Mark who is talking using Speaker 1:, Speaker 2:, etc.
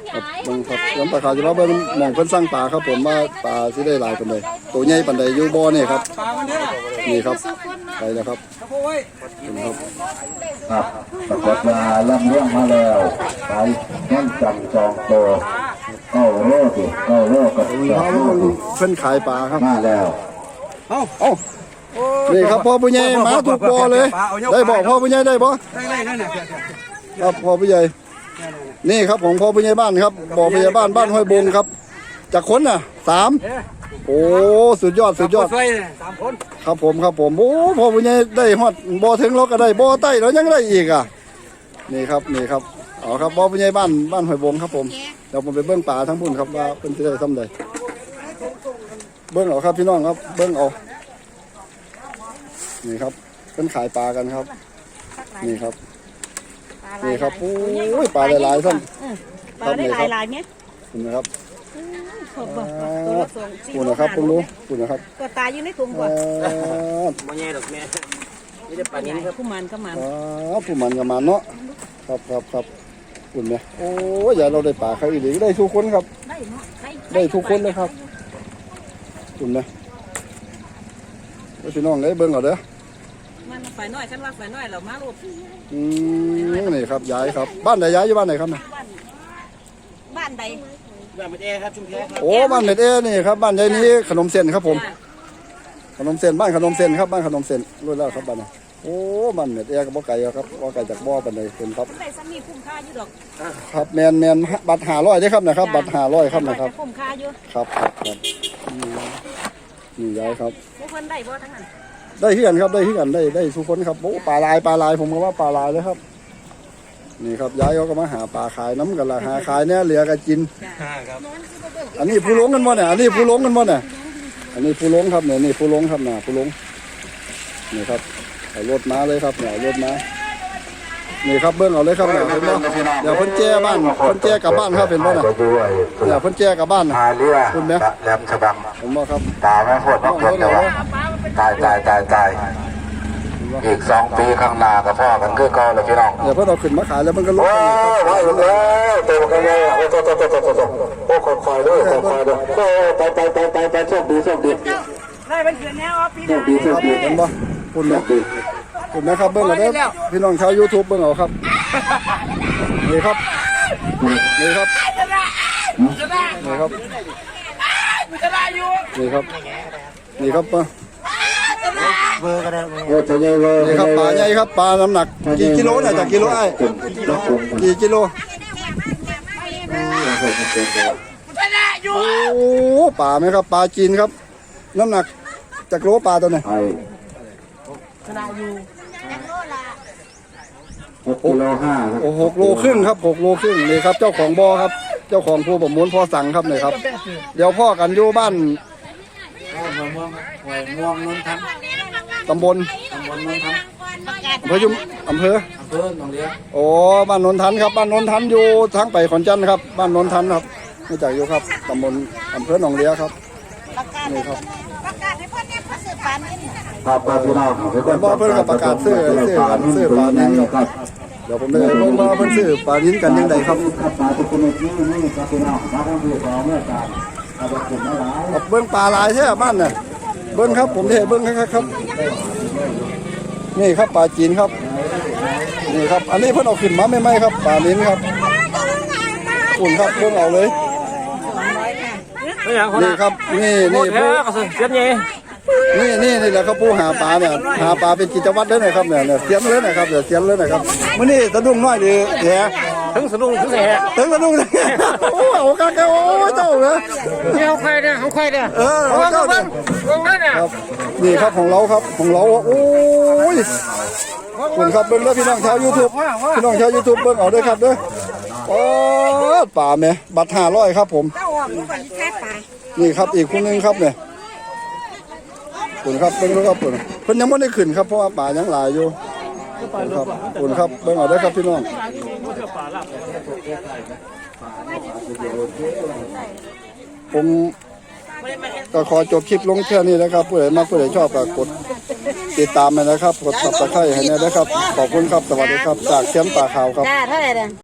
Speaker 1: เบิ่งครับสวนปลาขาวจะมาเบิ่งหม่องเพิ่นสร้างปลาครับผมว่าปลาสิได้หลายปานใดตัวใหญ่ปานใดอยู่บ่อนี่ครับนี่ครับไปแล้วครับครับ
Speaker 2: ปรากฏมาล่ำเรื่องมาแล้วไปแน่นจังจองโตเก้าโลสิเก้าโลกับ
Speaker 1: เพิ่นขายปลาครับ
Speaker 2: มาแล้ว
Speaker 1: เอ้านี่ครับพ่อผู้ใหญ่มาถูกบ่อเลยได้บ่พ่อผู้ใหญ่ได้บ่ครับพ่อผู้ใหญ่นี่ครับของพ่อผู้ใหญ่บ้านครับบ่อผู้ใหญ่บ้านบ้านห้วยบงครับจากคนน่ะ3โอ้สุดยอด3 คนครับผมโอ้พ่อผู้ใหญ่ได้ฮอดบ่อถึงเราก็ได้บ่อใต้แล้วยังได้อีกอ่ะนี่ครับเอาครับบ่อผู้ใหญ่บ้านห้วยบงครับผมเดี๋ยวผมไปเบิ่งปลาทั้งพุ่นครับว่าเพิ่นสิได้ทำใดเบิ่งเอาครับพี่น้องครับเบิ่งเอานี่ครับเพิ่นขายปลากันครับนี่ครับโอ้ยปลาหลายๆท่าน
Speaker 3: ปลาได้หลายเนี่ย
Speaker 1: คุณนะครับ
Speaker 3: คุณ
Speaker 1: นะครับคุณรู้คุณนะครับ
Speaker 3: ก็ตายอยู่ในถุงก่อน
Speaker 4: บ่แย่ดอกแม่นี่ได้ปลานี้ครับ
Speaker 3: ผู้มันก็มัน
Speaker 1: ผู้มันก็มันเนาะครับคุณเนี่ยโอ้ยอย่าเราได้ปลาเขาอีกได้ทุกคนครับได้ทุกคนเลยครับคุณเนี่ยพี่น้องได้เบิ่งเอาเด้อ
Speaker 3: มันฝ่ายน้อยฉันว่าฝ่ายน้อยเรามาลูก
Speaker 1: นี่ครับย้ายครับบ้านไหนย้ายอยู่บ้านไหนครับเนี่ย
Speaker 3: บ้านใด
Speaker 4: บ้านเม็ดเอครับชุมแพครับ
Speaker 1: โอ้บ้านเม็ดเอนี่ครับบ้านยายนี้ขนมเส้นครับผมขนมเส้นบ้านขนมเส้นครับบ้านขนมเส้นรู้แล้วครับบ้านนี้โอ้บ้านเม็ดเอกับบ่อไก่ครับบ่อไก่จากบ่อเป็นเลยเป็นครับ
Speaker 3: ได้สามีคุ้มค่าอยู่ดอก
Speaker 1: ครับแมนบัตร500ได้ครับนะครับบัตร500ครับนะครับ
Speaker 3: คุ้มค่าอยู่
Speaker 1: ครับนี่ย้ายครับ
Speaker 3: ผู้คนได้บ่ทั้งนั้น
Speaker 1: ได้ที่กันครับได้ที่กันได้ทุกคนครับโอ้ปลาลายผมก็ว่าปลาลายเลยครับนี่ครับย้ายเขาก็มาหาปลาขายน้ำกันละหาขายเนี่ยเหลือกันกินอันนี้ผู้ลงกันบ่เนี่ยอันนี้ผู้ลงกันบ่เนี่ยอันนี้ผู้ลงครับเนี่ยนี่ผู้ลงครับเนี่ยผู้ลงนี่ครับเอารถมาเลยครับเนี่ยรถมานี่ครับเบิ้งเอาเลยครับเนี่ยเห็นบ่เดี๋ยวเพิ่นแจ้บ้านเพิ่นแจ้กลับบ้านครับเห็นบ่เนี่ยเดี๋ยวเพิ่นแจ้กลับบ้านนะคุณแม่
Speaker 2: แหลมฉบัง
Speaker 1: เห็นบ่ครับ
Speaker 2: ตาไม่โคตรต้องเกิดแต่ว่าตายอีก2 ปีข้างหน้ากับพ่อกันคือเก่าเลยพี่น้อง
Speaker 1: เดี๋ยวเพิ่นเอาขึ้นมาขายแล้วมันก็ลด
Speaker 2: ตัวกันเลยโอ้คอยด้วยไปโชคดี
Speaker 3: ได้เป็นเดือนแล้วพี่
Speaker 2: โชคดี
Speaker 1: เห็นบ่คุณเนี่ยคุณนะครับเบิ้งเอาเด้อพี่น้องชาว YouTube เบิ้งเอาครับนี่ครับนี่ครับนี่ครับนี่ครับ
Speaker 4: เบอร์ก็ได้
Speaker 1: นี่ครับปลาใหญ่ครับปลาน้ำหนักกี่กิโลเนี่ยจากกิโลไอ้กี่กิโลโอ้ปลาไหมครับปลาจีนครับน้ำหนักจากโลปลาตัวไหน
Speaker 2: 6.5 โล
Speaker 1: โอ้6 โลครึ่งครับ6 โลครึ่งนี่ครับเจ้าของบ่อครับเจ้าของผู้ประมูลพ่อสั่งครับนี่ครับเดี๋ยวพ่อกันอยู่บ้าน
Speaker 4: ม่วงนนทัน
Speaker 1: ตำบล
Speaker 4: นนทัน
Speaker 1: อำเภอ
Speaker 4: หนองเลี้ย
Speaker 1: โอ้บ้านนนทันครับบ้านนนทันอยู่ทางไปขอนแก่นครับบ้านนนทันครับไม่จากอยู่ครับตำบลอำเภอหนองเลี้ยครับนี่ครับ
Speaker 2: พี่น้อง
Speaker 1: เพิ่นกับประกาศซื้อปลานิ้นครับเดี๋ยวผมไปเบิ่งว่าเพิ่นซื้อปลานิ้นกันยังไงครับ
Speaker 2: ปลาทุกชนิดนี่ครับพี่น้องมาทั้งที่2เมื่อการ
Speaker 1: เบิ้งปลาลายใช่ไหมบ้านเนี่ยเบิ้งครับผมเทเบิ้งครับนี่ครับปลาจีนครับนี่ครับอันนี้เพิ่นเอาขึ้นมาไม่ไหมครับปลาลิ้นครับฝุ่นครับเบิ้งเอาเลยนี่ครับนี่ผู้
Speaker 4: เสียนใหญ่
Speaker 1: นี่แหละครับผู้หาปลาเนี่ยหาปลาเป็นกิจวัตรเลยนะครับเนี่ยเสียนเลยนะครับเสียนเลยนะครับมื้อนี้สะดุ้งน้อยดีแห
Speaker 4: ถึงสะดุ้งถึงแห
Speaker 1: ถึงสะดุ้งโอ้โหกะโอ้เจ้าเหรอ
Speaker 4: นี่เขาใครเนี่ย
Speaker 1: เจ้าเนี่ยนี่ครับของเราครับของเราโอ้ยคุณครับเบิ้งแล้วพี่น้องชาว YouTube พี่น้องชาว YouTube เบิ้งเอาด้วยครับเด้อโอ้ป่าแม่บัตร500ครับผมนี่ครับอีกคนนึงครับเนี่ยคุณครับเบิ้งแล้วครับเพิ่นยังไม่ได้ขึ้นครับเพราะว่าป่ายังหลายอยู่ครับคุณครับเบิ้งเอาด้วยครับพี่น้องผมก็ขอจบคลิปลงแค่นี้นะครับผู้ใดมาผู้ใดชอบก็กดติดตามไปนะครับกดซับสไครต์ให้นะครับขอบคุณครับสวัสดีครับจากเชียงป่าขาวครับ